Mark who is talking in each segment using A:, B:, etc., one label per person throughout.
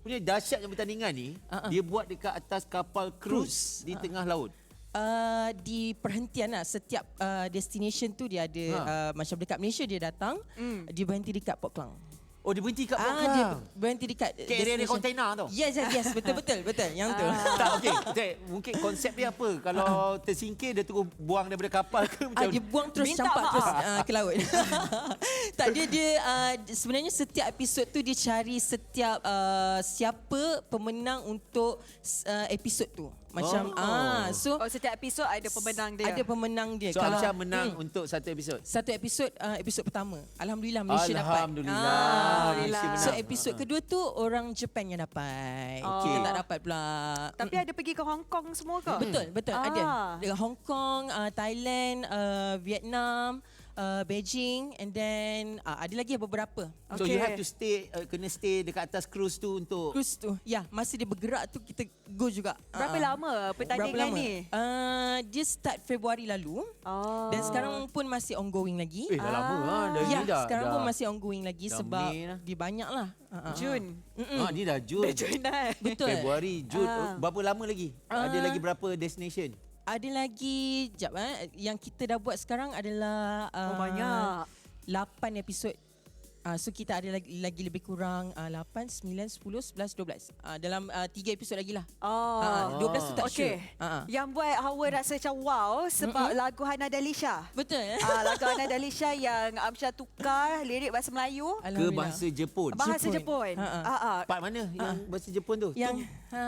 A: punya dahsyatnya pertandingan ni, dia buat dekat atas kapal cruise di tengah laut.
B: Di perhentian lah, setiap destination tu dia ada macam dekat Malaysia dia datang, dia berhenti dekat Port Klang.
A: Oh, dia berhenti kat Port
B: Dia
A: Klang.
B: berhenti dekat
A: Area kontainer tu.
B: Yes, betul yang tu.
A: Tak, okey. Mungkin konsep dia apa? Kalau tersingkir dia terus buang daripada kapal ke macam
B: Dia buang terus, campak terus ke laut. Tak, dia sebenarnya setiap episod tu dia cari setiap siapa pemenang untuk episod tu. Macam so
C: setiap episod ada pemenang dia.
B: Ada pemenang dia.
A: So Amsyah menang untuk satu episod.
B: Satu episod pertama. Alhamdulillah Malaysia dapat.
A: Alhamdulillah.
B: So episod kedua tu orang Japan yang dapat. Kita tak dapat pula.
C: Tapi ada pergi ke Hong Kong semua ke?
B: Betul ada. Dengan Hong Kong, Thailand, Vietnam, Beijing, and then ada lagi beberapa.
A: So you have to stay, kena stay dekat atas cruise tu untuk
B: Cruise tu. Ya, masa dia bergerak tu kita go juga.
C: Berapa lama pertandingan ni?
B: Dia start Februari lalu. Dan sekarang pun masih ongoing lagi.
A: dah lama dah.
B: Sekarang pun masih ongoing lagi sebab dia banyak lah.
C: Jun.
A: Ni dah Jun.
B: Betul.
A: Februari, Jun. Berapa lama lagi? Ada lagi berapa destination?
B: Ada lagi, yang kita dah buat sekarang adalah
C: banyak.
B: 8 episod. So kita ada lagi lebih kurang 8, 9, 10, 11, 12. Dalam 3 episod lagi lah. 12 tu tak sure.
C: Yang buat Hawa rasa macam wow sebab lagu Hana Dalisha.
B: Betul.
C: Lagu Hana Dalisha yang Amsyah tukar lirik bahasa Melayu
A: Ke bahasa Jepun.
C: Bahasa Jepun.
A: Part mana yang bahasa Jepun tu?
B: Yang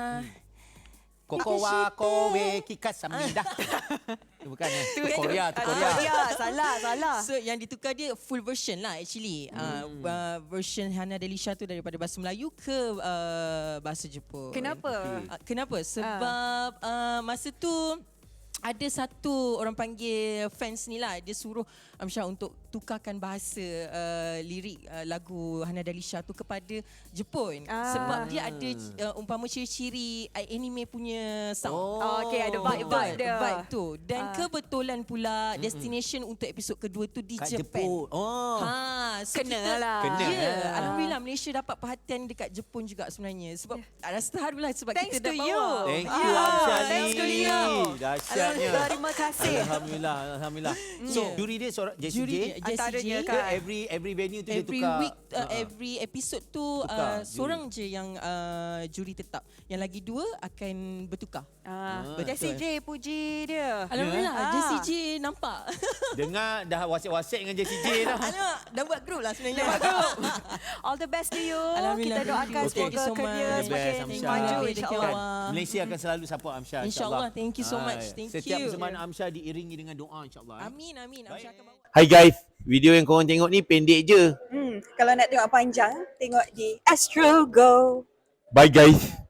A: Koko wa kowe kikasamida. Bukan Korea, tu Korea.
C: Salah.
B: So yang ditukar dia full version lah actually. Version Hana Dalisha tu daripada bahasa Melayu ke bahasa Jepun.
C: Kenapa?
B: Kenapa? Sebab masa tu ada satu orang panggil fans ni lah, dia suruh Amsyah untuk tukarkan bahasa lirik lagu Hana Dalisha tu kepada Jepun. Sebab dia ada umpama ciri-ciri anime punya sound.
C: Ada vibe dia.
B: Vibe tu. Dan kebetulan pula destination untuk episod kedua tu di Jepun. So
C: Kenalah.
B: Alhamdulillah Malaysia dapat perhatian dekat Jepun juga sebenarnya. Sebab rasa terharulah sebab
C: Thanks
B: kita dah
C: to
B: bawa.
C: you.
A: Thank you Amsyah.
C: Thanks to you.
A: Dahsyatnya.
C: Terima kasih.
A: Alhamdulillah. So juri dia seorang Jessie J.
C: Antaranya
A: Ke every venue tu dia tukar.
B: Week, every episode tu seorang je yang juri tetap. Yang lagi 2 akan bertukar.
C: Jessie J puji dia.
B: Alhamdulillah Jessie J nampak.
A: Dengar dah wasik-wasik dengan Jessie J dah.
B: Alamak, dah buat group lah sebenarnya.
C: All the best to you.
B: Alhamdulillah,
C: Kita doakan
B: thank you
C: semoga
B: so
C: kerja
B: much.
C: semakin
A: Thank you,
C: maju
B: Amsyah.
C: insyaAllah.
A: Malaysia akan selalu support Amsyah
B: InsyaAllah. Thank you so much. Thank
A: Setiap
B: you.
A: persembahan Amsyah diiringi dengan doa insyaAllah.
B: Amin. Amsyah akan bawa.
A: Hai guys, video yang korang tengok ni pendek je.
D: Kalau nak tengok panjang, tengok di Astro Go.
A: Bye guys.